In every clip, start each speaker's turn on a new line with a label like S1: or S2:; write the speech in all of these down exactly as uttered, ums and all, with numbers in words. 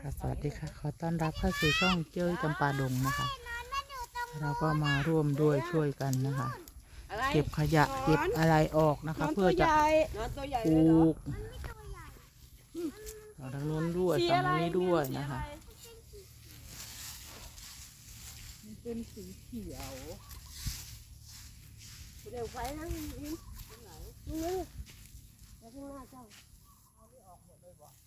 S1: ค่ะสวัสดีค่ะขอต้อนรับเข้าสู่ช่องเจ้ยจำปาดงนะคะเราก็มาร่วมด้วยช่วยกันนะคะเก็บขยะเก็บอะไรออกนะคะเพื่อจะปลูกทางโน้นด้วยฝั่งนี้ด้วยนะคะ
S2: เป็นสีเขียวเดี๋ยวไฟนั่งนี่นี่นี่แล้วข้างหน้าเจ้าเอาไม่ออกหมดเลยบอก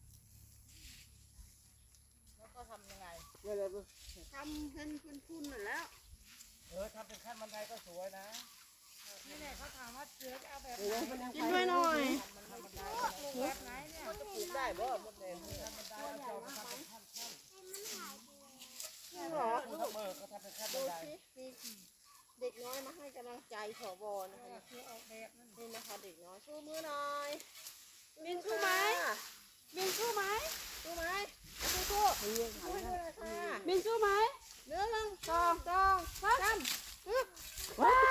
S2: แล้วก็ทำยังไงเดี๋ยวทำเป็นเป็นพุ่นหมดแล้วเออทำเป็นขั้นบันไดก็สวยนะนี่แหละเขาถามว่าเสือจะเอาแบบไหนกินด้วยหน่อยแบบไหนเนี่ยมันจะปลูกได้บ่หมดเลยขั้นบันไดเอาเจ้ามาทำเป็นขั้นขั้นหรอลูกเออเขาทำเป็นขั้นบันไดเด็กน้อยมาให้กำลังใจผบนะคะนี่นะคะเด็กน้อยชูมือหน่อยบินชูไหมบินชูไหมชูไหมชูชูบินชูไหมเนื้อหนึ่งสองสองสามว้าว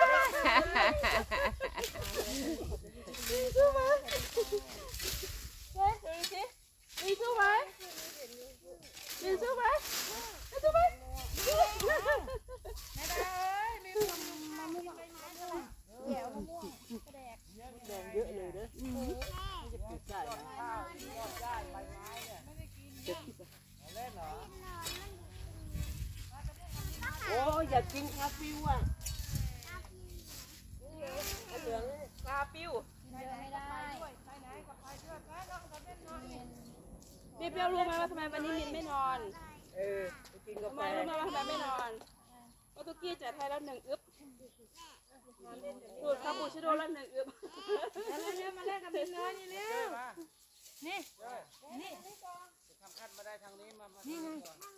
S2: บินชูไหมเฮ้ยดูสิบินชูไหมบินชูไหมบินชูไหมไม่ได้เอ้ยมีคนมาม่วงเดี๋ยวมะม่วงกระแดกแดงเยอะเลยเด้อจะปลูกได้นะข้าวยอดได้ใบไม้เนี่ยไม่ได้กินจะคิดเล่นเหรอโอ้อยากกินคาฟิวอ่ะเหลืองคาฟิวไม่ได้ไปไหนกับใครเชื่อแพ้ลองกับเล่นน้อยนี่เปรี้ยวรู้ไหมว่าทำไมวันนี้มินไม่นอนเออไปกินกาแฟทำไมรู้ไหมว่าทำไมไม่นอนเพราะตุกี้จัดให้แล้วหนึ่งอึ๊บดูดคาปูชิโร่แล้วหนึ่งอึ๊บแล้วเร็วมาเล่นกับมินเลยนี่เร็วนี่นี่ทำขั้นมาได้ทางนี้มานี่ไง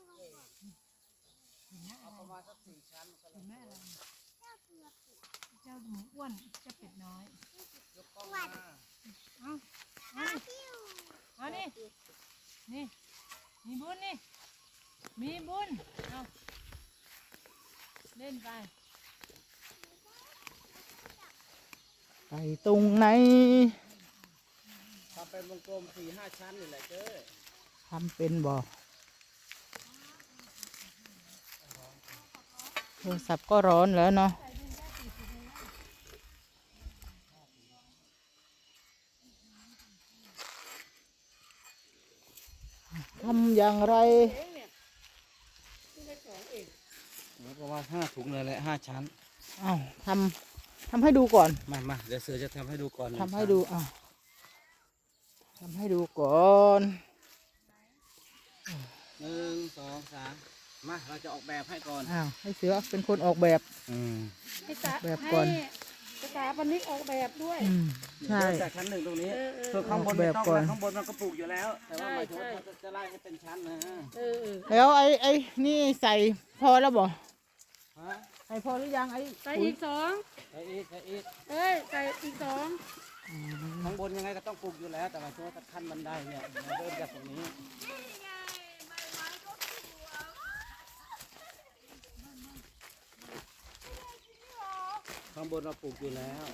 S2: เอาประมาณสักสี่ชั้นก็เลยแม่อะไรเจ้าหมูอ้วนเจ้าเป็ดน้อยยกกล้องมาเอาเอาเอานี่นี่มีบุญนี่มีบุญเอาเล่นไป
S1: ไปตรงไหน
S2: ทำเป็นวงกลมสี่ห้าชั้นนี่แหละเจ้
S1: ทำเป็นบ่โทรศัพท์ก็ร้อนแล้วเนาะทำอย่างไร
S2: ประมาณห้าถุงเลยแหละห้าชั้น
S1: อ้าวทำทำให้ดูก่อน
S2: มามาเดี๋ยวเสือจะทำให้ดูก่อน
S1: ทำให้ดูอ้าวทำให้ดูก่อน
S2: หนึ่งสองสามมาเราจะออกแบบให้ก่อน
S1: อ้าวให้เสือเป็นคนออกแบบ
S2: อืม
S1: ให้แบบก่อน
S3: ภาษาปนิกออกแบบด้วย
S1: ใช่
S2: จากชั้นหนึ่งตรงนี้ส่วนข้างบนไม่ต้องข้างบนมันก็ปลูกอยู่แล้วแต่ว่าหมายถึงว่าจะไล่ให้เป็นชั้นนะ
S1: แล้วไอ้ไอ้นี่ใส่พอแล้วบ่ใส่พอหรือยังไอ้
S3: ใส่อีกสอง
S2: ใส่อีกใส่อีก
S3: เอ้ยใส่อีกสอง
S2: ข้างบนยังไงก็ต้องปลูกอยู่แล้วแต่หมายถึงว่าขั้นบันไดเนี่ยเดินจากตรงนี้ข้างบนเราปลูกอยู่แล้ว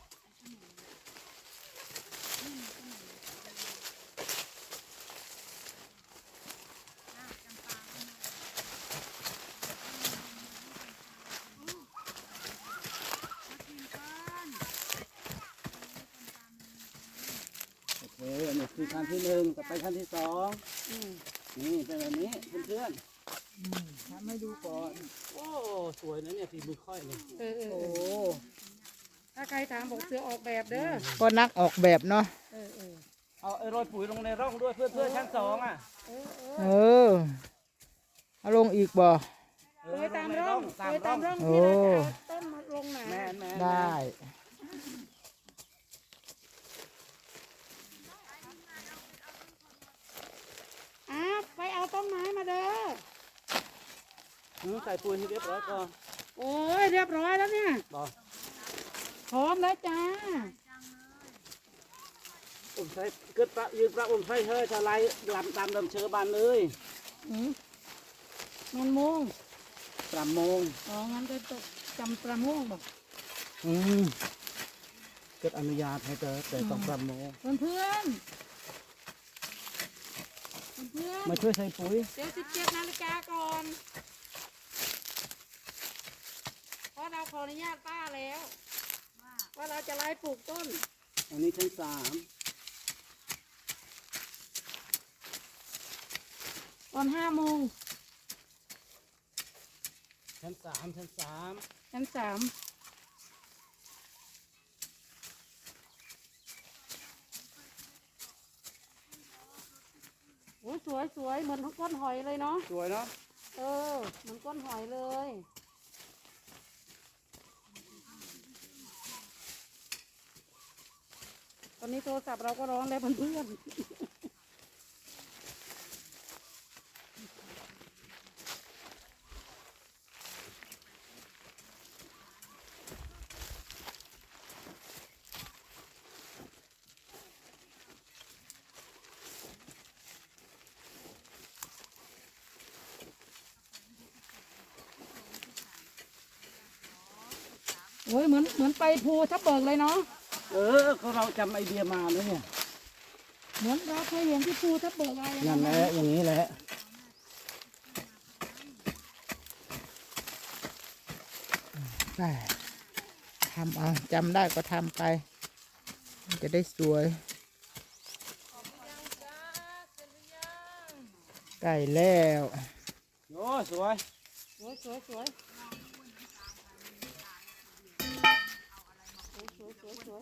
S2: โอเคนี่คือขั้นที่หนึ่งต่อไปขั้นที่สองนี่เป็นแบบนี้เพื่อน
S1: ทำให้ดูก่อน
S2: โอ้สวยนะเนี่ยฝีมือค่อยเลย
S3: โอ้ถ้าใครถามบอกเสือออกแบบเด้อ
S1: ก็นักออกแบบเนาะ
S3: เออเออ
S2: เอาไอ้โรยปุ๋ยลงในร่องด้วยเพื่อเพื่อชั้นสองอ่ะ
S1: เออเอาลงอีกบ่
S3: โรยตามร่องโรยตามร่องที่เราจะต้นมาลงหนา
S1: ได้
S3: อ้าไปเอาต้นไม้มาเด้
S2: อใส่ปุ๋ยให้เรียบร้อยก่อน
S3: โอ้ยเรียบร้อยแล้วเนี่ยพร้อมแล้วจ้า
S2: ผมใช้เกิดประยืนประผมใช้เฮ้ยจะไล่ลำตามลำเชื้อบานเลย
S3: มันโมง
S2: สามโมง
S3: อ๋องั้นจะจำประโมงบอก
S2: อืมเกิดอนุญาตให้เจอแต่ต้องประโมง
S3: เพื่อนเพื่อน
S4: มาช่วยใส่ปุ๋ย
S3: เดี๋ยวสิบเจ็ดนาฬิกาก่อนเพราะเราขออนุญาตป้าแล้ว ว่าเราจะไล่ปลูกต้น
S4: อันนี้ชั้นสาม
S3: ตอนห้าโมง
S4: ชั้นสามชั้นสาม
S3: ชั้นสามโอ้ยสวยสวยเหมือนก้นหอยเลยเนาะ
S4: สวยเนาะ
S3: เออเหมือนก้นหอยเลย ตอนนี้โทรศัพท์เราก็ร้องแล้วเพื่อนๆโอ้ยเหมือนเหมือนไปภูทับเบิกเลยเนาะ
S4: เออก็เราจำไอเดียมาแล้วเนี่ย
S3: เหมือนเราเคยเห็นที่ภูทับเบิกอะไร
S4: นั่นแหละอย่างนี้แหละ
S1: ได้ทำเอาจำได้ก็ทำไปมันจะได้สวยใกล้แล้ว
S4: โอ้สวย
S3: สวยสวยสวยสวยสวยสวย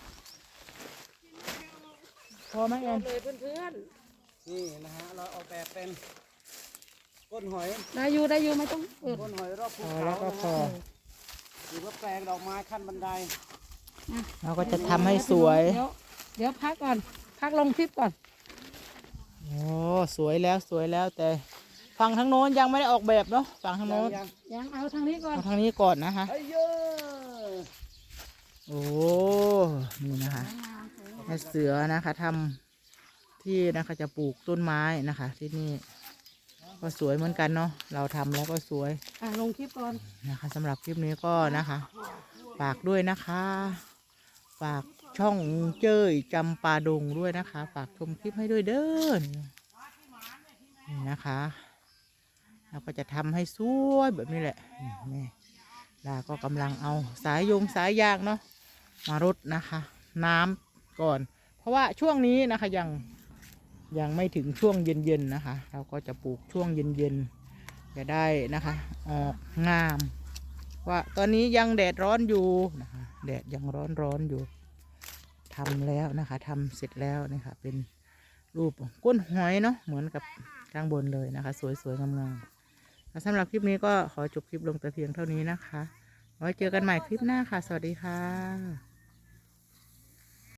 S1: พอไหมแอน
S3: เลยเพื่อน
S4: นี่นะฮะเราออกแบบเป็นก้นหอย
S3: ๆได้อยู่ได้อยู่ไม่ต้องเปิด
S4: ก้นหอยรอบภู
S1: พอ
S4: เขา
S1: แล้วก็พอ
S4: หรือว่าแปลงดอกไม้ขั้นบันได
S1: เราก็จะทำให้สวย
S3: เดี๋ยวเดี๋ยวพักก่อน พักลงคลิปก่อน
S1: โอ้สวยแล้วสวยแล้วแต่ฝั่งทางโน้นยังไม่ได้ออกแบบเนาะฝั่งทางโน้น
S4: ยัง
S3: ยังเอาทางนี้ก่อน
S1: เอาทางนี้ก่อนนะคะ
S4: เฮ้ยเยอะ
S1: โอ้นี่นะคะแม่เสือนะคะทำที่นะคะจะปลูกต้นไม้นะคะ ที่นี่ก็สวยเหมือนกันเนาะเราทำแล้วก็สวย
S3: อ่ะลงคลิปก่อน
S1: นะคะสำหรับคลิปนี้ก็นะคะฝากด้วยนะคะ ฝากช่องเจ้ยจำปาดงด้วยนะคะ ฝากชมคลิปให้ด้วยเด้อนี่นะคะเราก็จะทำให้สวยแบบนี้แหละนี่ลาก็กำลังเอาสายยงสายยางเนาะมารดนะคะ น้ำก่อน เพราะว่าช่วงนี้นะคะยังยังไม่ถึงช่วงเย็นๆนะคะ เราก็จะปลูกช่วงเย็นๆจะได้นะคะ ออกงาม ว่าตอนนี้ยังแดดร้อนอยู่นะคะแดดยังร้อนร้อนอยู่ทำแล้วนะคะทำเสร็จแล้วนะคะเป็นรูปก้นหอยเนาะเหมือนกับข้างบนเลยนะคะ สวยๆงามๆสำหรับคลิปนี้ก็ขอจบคลิปลงแต่เพียงเท่านี้นะคะไว้เจอกันใหม่คลิปหน้าค่ะสวัสดีค่ะ